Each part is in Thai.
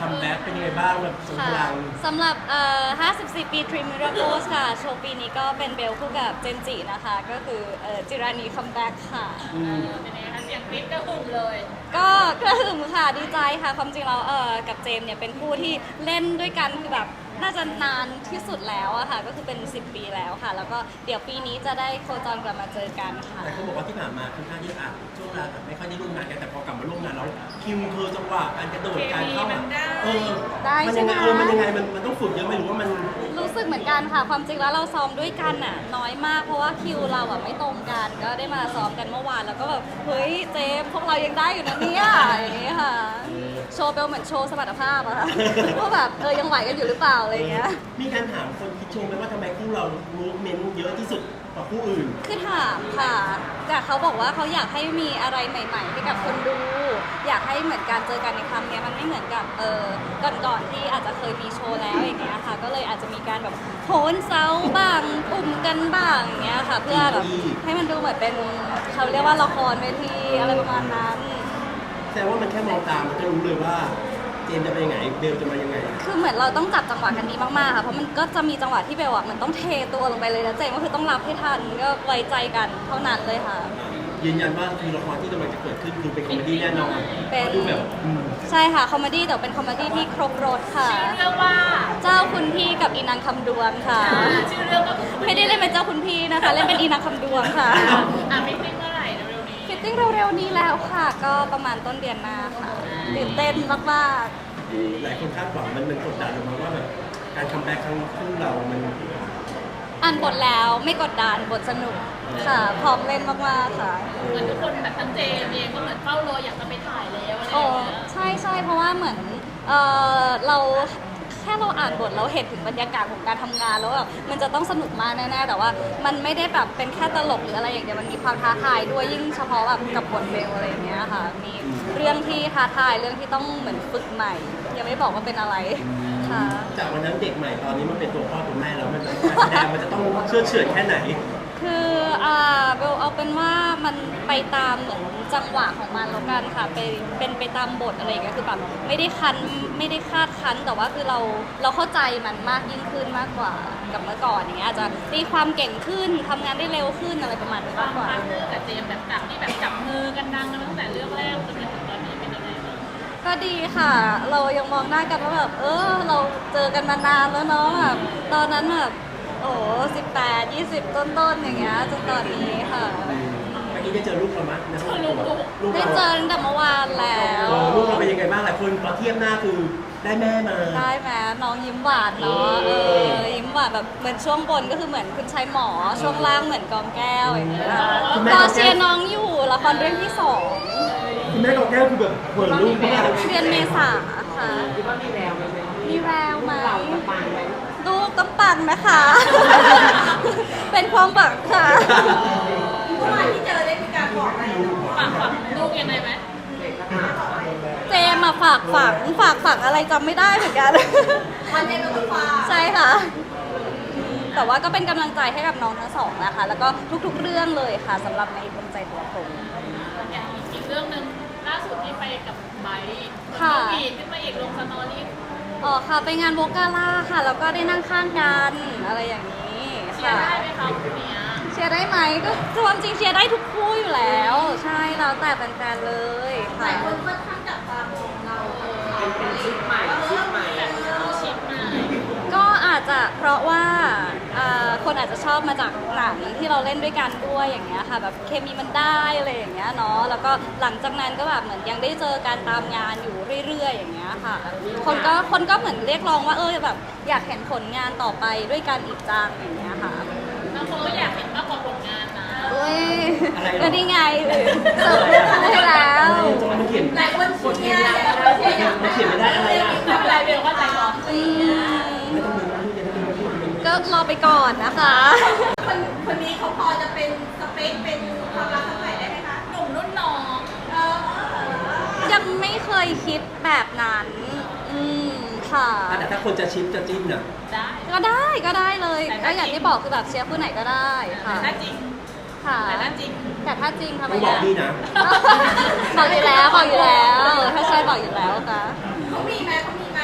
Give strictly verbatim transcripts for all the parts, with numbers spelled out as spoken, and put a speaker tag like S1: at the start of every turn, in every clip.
S1: คัมแบ็กเป็นยังไงบ้างแบบสมพลัง
S2: สำหรับเอ่อห้าสิบสี่ ปี Dream Miracles ค่ะ โชว์ปีนี้ก็เป็นเบลคู่กับเจนจินะคะ ก็คือเอ่อจิรานีคัมแบ็กค่ะ
S3: เป็นไงคะเสียงกรี๊ดกระหึ่มเลย
S2: ก็กระหึ่มค่ะ ดีใจค่ะ ความจริงแล้วเอ่อกับเจมส์เนี่ยเป็นคู่ที่เล่นด้วยกันคือแบบน่าจะนานที่สุดแล้วอะค่ะ ก็คือเป็น สิบ ปีแล้วค่ะ แล้วก็เดี๋ยวปีนี้จะได้โคจรกลับมาเจอกันค่ะ
S1: แต่เขาบอกว่าที่ผ่านมาค่อนข้างที่อ่ะช่วงเวลาแบบไม่ค่อยได้ร่วมงานกันแต่พอกลับมาร่วมงานแล้วคิวเธอจังหวะการกระโดดการเข้ามาเออ
S2: ได้
S1: มัน
S2: ใช่
S1: ยัง
S2: ไหม
S1: ไงเออมันยังไงมันมันต้องฝึกเยอะไหมหรือว่ามัน
S2: รู้สึกเหมือนกันค่ะ ความจริงแล้วเราซ้อมด้วยกันน่ะน้อยมากเพราะว่าคิวเราอ่ะไม่ตรงกัน ก็ได้มาซ้อมกันเมื่อวานแล้วก็แบบเฮ้ยเจมส์พวกเรายังได้อยู่นะเนี่ยอย่างนี้ค่ะ โชว์เบลเหมือนโชว์สมรรถภาพอะค่ะ ว่าแบบเออยังไหวกันอยู่หรือเปล่าอะไรอย่างเงี้ย
S1: มีการถามคนคิดชมไหมว่าทำไมคู่เรามูฟเมนต์เยอะที่สุดกว่าคู่อื่น
S2: คือถามค่ะแต่เขาบอกว่าเขาอยากให้มีอะไรใหม่ๆให้กับคนดู อยากให้เหมือนการเจอกันในครั้งเนี้ยมันไม่เหมือนกับเออก่อนๆที่อาจจะเคยมีโชว์แล้วอย่างเงี้ยค่ะ ก็เลยอาจจะมีการแบบโหนเซาบ้างปุ่มกันบ้างอย่างเงี้ยค่ะ เพื่อแบบให้มันดูเหมือนเป็นเขาเรียกว่าละครเวทีอะไรประมาณนั้น
S1: แสดงว่ามันแค่มองตามมันก็รู้เลยว่าเจมส์จะไปยังไงเบลจะมายังไง
S2: คือเหมือนเราต้องจับจังหวะกันดีมากๆค่ะ เพราะมันก็จะมีจังหวะที่เบลอะมันต้องเทตัวลงไปเลยนะเจมส์ก็คือต้องรับให้ทันก็ไว้ใจกันเท่านั้นเลยค่ะ
S1: ยืนยันว่าคือละครที่กำลังจะเกิดขึ้นคือเป็นคอมเมดี้แน่นอน
S2: เป็น
S1: ดูแบบอืม
S2: ใช่ค่ะคอมเมดี้แต่เป็นคอมเมดี้ที่ครบรสค่ะ
S3: ชื่อเรื่องว่า
S2: เจ้าคุณพี่กับอีนางคำดวงค่ะ
S3: อ่าชื่อเรื่องก็คือ
S2: ไม่ได้เล่นเป็นเจ้าคุณพี่นะคะ เล่นเป็นอีนางคำดวงค่ะ
S3: อ่าไม่ติ้งเมื่อไหร่เร็วๆนี้
S2: ฟิตติ้งเร็วๆนี้แล้วค่ะ ก็ประมาณต้นเดือนหน้าค่ะตื่นเต้นมาก
S1: หลายคนคาดหวังมันมันกดดันออกมาว่าแบบการคัมแบ็กครั้งคู่เรามัน
S2: ๆอ่านบทแล้วไม่กดดันบทสนุกค่ะ พร้อมเล่นมากๆค่ะ
S3: เหมือนทุกคนแบบทั้งเจมส์เองก็เหมือนเฝ้ารออยากจะไปถ่ายแล้วอะไรอ
S2: โอ้
S3: ย่างเงี้ย
S2: ใช่ใช่เพราะว่าเหมือนเออเราแค่เราอ่านบทเราเห็นถึงบรรยากาศของการทำงานแล้วแบบมันจะต้องสนุกมากแน่ๆแต่ว่ามันไม่ได้แบบเป็นแค่ตลกหรืออะไรอย่างเดียวมันมีความท้าทายด้วยยิ่งเฉพาะแบบกับบทเบลอะไรอย่างเงี้ยค่ะมีเรื่องที่ท้าทายเรื่องที่ต้องเหมือนฝึกใหม่ ยังไม่บอกว่าเป็นอะไรค่ะ
S1: จากวันนั้นเด็กใหม่ตอนนี้มันเป็นตัวพ่อตัวแม่แล้วมันการแสดงมันจะต้องเชื่อเฉื่อยแค่ไหน
S2: คืออ่าเบลเอาเป็นว่ามันไปตามเหมือนจังหวะของมันแล้วกันค่ะไปเป็นไปตามบทอะไรอย่างเงี้ยคือแบบไม่ได้คันไม่ได้คาดคันแต่ว่าคือเราเราเข้าใจมันมากยิ่งขึ้นมากกว่ากับเมื่อก่อนอย่างเงี้ยอาจจะตีความเก่งขึ้นทำงานได้เร็วขึ้นอะไรประมาณนี้มากกว่า
S3: พาร์ทเนอร์กับเจมส์แบบจากที่แบบจับมือกันดังกันตั้งแต่เรื่องแรกจนถึงตอนนี้เป็นยังไงบ้าง
S2: ก็ดีค่ะ เรายังมองหน้ากันว่าแบบเออเราเจอกันมานานแล้วเนาะแบบตอนนั้นแบบโอ้สิบแปดยี่สิบต้นๆอย่างเงี้ยจนตอนนี้ค่ะ
S1: เมื่อกี้ได้เจอลูกเรามั้ยนะ
S3: ลูก
S1: ลูก
S2: ได้
S1: เรา
S2: เจอตั้งแต่เมื่อวานแล้ว
S1: เออลูกเราเป็นยังไงบ้างหลายคนพอเทียบหน้าคือได้แม่มา
S2: ได้ไหมน้องยิ้มหวานเนาะเออยิ้มหวานแบบเหมือนช่วงบนก็คือเหมือนคุณชายหมอช่วงล่างเหมือนกองแก้วอย่างเงี้ยรอเชียร์น้องอยู่ละครเรื่องที่สอง
S1: คุณแม่กับแก้วคือแบบเปิดลูกมาก
S2: เดือนเมษาค่ะ
S4: คิดว่ามีแววไหม
S2: มีแววไหม
S4: เราจะปังไหม
S2: ลูกต้องปังนะคะ เป็นความหวังค่ะ
S3: เมื่อวานที่เจอได้มีการบอกอะไรฝากฝังลูกยังไงไหม
S4: เด็กก็ถาม
S2: เจมมาฝากฝังฝากฝังอะไรจำไม่ได้เหมือนกัน
S3: วันนี้เราก็ฝาก
S2: ใช่ค่ะ แต่ว่าก็เป็นกำลังใจให้กับน้องทั้งสองนะคะ แล้วก็ทุกๆเรื่องเลยค่ะสำหรับในดวงใจตัวผม
S3: อย่างอีกเรื่องหนึ่งล่าสุดที่ไปกับไบร์ท
S2: ค่ะ
S3: ฟีดขึ้นมาอีกลงสตอรี่
S2: อ๋อค่ะไปงานโวกาล่าค่ะ แล้วก็ได้นั่งข้างกันอะไรอย่างนี้
S3: เชีย
S2: ค่ะ
S3: ร์ได้ไหมคะคุณเนี้ย
S2: เชียร์ได้ไหมก็ความจริงเชียร์ได้ทุกคู่อยู่แล้ว ใช่แล้วแต่แฟนๆเลย
S3: ห
S2: ค่ะ
S3: ลายคนค่อนข้างจับตามองเรา
S4: เป็นเป็นชุดใหม่ชุดใหม่
S3: แบบเข้าชิปมา
S2: ก็อาจจะเพราะว่าอ่าคนอาจจะชอบมาจากหนังที่เราเล่นด้วยกันด้วยอย่างเงี้ยค่ะแบบเคมีมันได้อะไรอย่างเงี้ยเนาะแล้วก็หลังจากนั้นก็แบบเหมือนยังได้เจอการตามงานอยู่เรื่อยๆอย่างเงี้ยค่ะ คนก็คนก็เหมือนเรียกร้องว่าเออแบบอยากเห็นผลงานต่อไปด้วยกันอีกจังอย่างเงี้ยค่ะ
S3: บางคนก็อยากเห็นมากกว่าผลงานนะ
S2: เอ้ยก็นี่ไงเสิร์ฟเรื่องให้แล้ว
S1: มันเขียน
S3: หลายคนเชียร์
S1: มันเขียนไม่ได้อะไรอ่ะ
S3: ไม่เป็นไรเบลเข้าใจก่อน
S2: อืม
S1: ไม่ต้องดูนะลูกจะได้ดูลูกมัน
S2: ก็รอไปก่อนนะคะ
S3: คนคนนี้เขาพอจะเป็นสเปคเป็นความรักครั้งใหม่ได้ไหมคะหนุ่มรุ่นน้องเออ
S2: ยังไม่เคยคิดแบบนั้น อืมค่ะ
S1: แต่ถ้าคนจะชิปจะจิ้นอ่ะ
S3: ได้
S2: ก็ได้ก็ได้เลย
S3: แต่
S2: ก็
S3: ถ้า
S2: อย่างที่บอกคือแบบเชียร์คู่ไหนก็ได้ค่ะ
S3: แต่ถ้าจริง
S2: ค่ะ
S3: แต่ถ้าจริง
S2: แต่ถ้าจริงทำไม
S1: ต้องบอก
S2: อะ
S1: พี่นะ
S2: บอกอยู่แล้วบอกอยู่แล้ว ถ้าใช่บอกอยู่แล้วค่ะ
S3: เขามีไหมเขามีไหม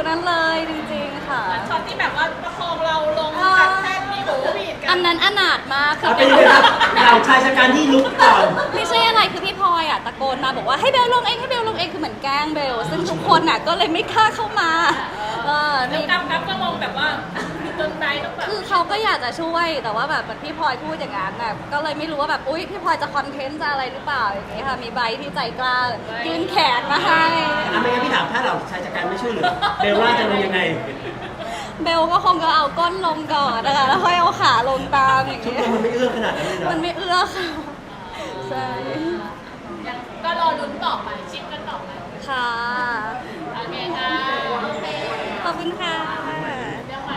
S2: นั้นเลยจริงๆค่ะ
S3: ช็อตที่แบบว่าประคองเราลงจากแท่นมีหูบีดกั
S2: อั
S3: น
S2: นนั้นอนาถมากคือ
S1: เอาเป็นยังไงครับเราชายชะกันที่ลุกก่อน
S2: ไม่ใช่อะไรคือพี่พลอยอ่ะตะโกนมาบอกว่าให้เบลลงเองให้เบลลงเองคือเหมือนแกล้งเบลซึ่งทุกคนอ่ะก็เลยไม่กล้าเข้ามาเออ
S3: แล้ว
S2: นี่
S3: กั๊บกั๊บก็ลงแบบว่าจนใจต้องแบบ
S2: คือเขาก็อยากจะช่วยแต่ว่าแบบเหมือนพี่พลอยพูดอย่างนั้นน่ะก็เลยไม่รู้ว่าแบบอุ๊ยพี่พลอยจะคอนเทนต์จะอะไรหรือเปล่าอย่างนี้ค่ะมีใบที่ใจกล้ายื่นแขนมาให้
S1: อ่ะไม่งั้นพี่ถามถ้าเราชายชะกันไม่ช่วยเหลือเบลว่าจะลงยังไง
S2: เบลก็คงจะเอาก้นลงก่อนนะคะแล้วค่อยเอาขาลงตามอย่าง
S1: ชุด
S2: นี้
S1: นี้มันไม่เอื้อขนาดนั้นเลยเนาะ
S2: มันไม่เอื้อค่ะใช่
S3: ก็รอลุ้นต่อไปชิปกันต่อไป
S2: ค่ะ
S3: โอเคค่ะ
S2: ขอบคุณค่ะ
S3: เรื่องใหม่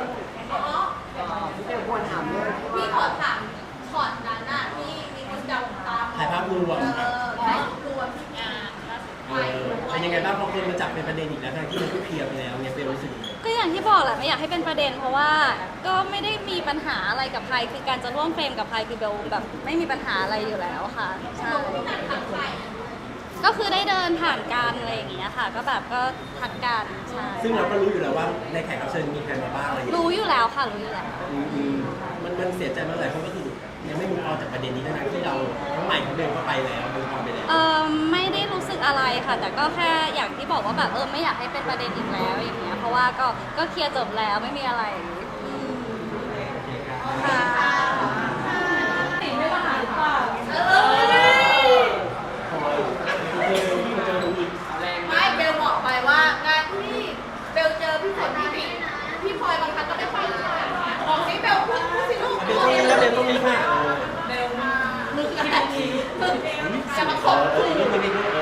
S4: พี่เบลควรถามด้วย
S3: พี่ขอถามช็อตนั้นน่ะที่มีคนจับตาม
S1: ถ่ายภาพรวม
S3: เออถ่ายรูปรวมที่งานล่าสุด
S1: เออเป็นยังไงบ้างพอคนมาจับเป็นประเด็นอีกแล้วทั้งที่มันก็เคลียร์ไปแล้วเนี่ยเบลรู้สึกยังไง
S2: ก็อย่างที่บอกแหละไม่อยากให้เป็นประเด็นเพราะว่าก็ไม่ได้มีปัญหาอะไรกับใครคือการจะร่วมเฟรมกับใครคือเบลแบบไม่มีปัญหาอะไรอยู่แล้วค่ะใช่ก็คือได้เดินผ่านกันอะไรอย่างเงี้ยค่ะ ก็แบบก็ทักกันใช่
S1: ซึ่งเราก็รู้อยู่แล้วว่าในแขกรับเชิญมีใครมาบ้างอะไรอย่างเงี้ย
S2: รู้อยู่แล้วค่ะรู้อยู่แล้ว
S1: อืมอืมมันมันเสียใจมากเลยเพราะก็คือยังไม่มุกออกจากประเด็นนี้ทั้งๆที่เราทั้งใหม่ทั้งเบลก็ไปแล้วมุกออกไปแล้ว
S2: เออไม่ได้รู้สึกอะไรค่ะ แต่ก็แค่อย่างที่บอกว่าแบบเออไม่อยากให้เป็นประเด็นอีกแล้วอย่างเงี้ยเพราะว่าก็ก็เคลียร์จบแล้วไม่มีอะไรอืมค่ะไม่ว่าหาหรือเปล่า
S3: ไม่เบลบอกไปว่างานที่เบลเจอพี่ฝนพี่บิ๊กพี่พลอยบางครั้งก็ไม่ค่อยเลยบอกสิเบลพูดพูดสิลูก
S1: เบลต้องนี้แล้วเบลต้องนี้ค่ะ
S3: เบลมามึงกันทีจะมาขอบ
S1: เอ
S3: คุ
S1: อ
S3: ณ
S1: เรื่องไม่ได้ด้วยเออ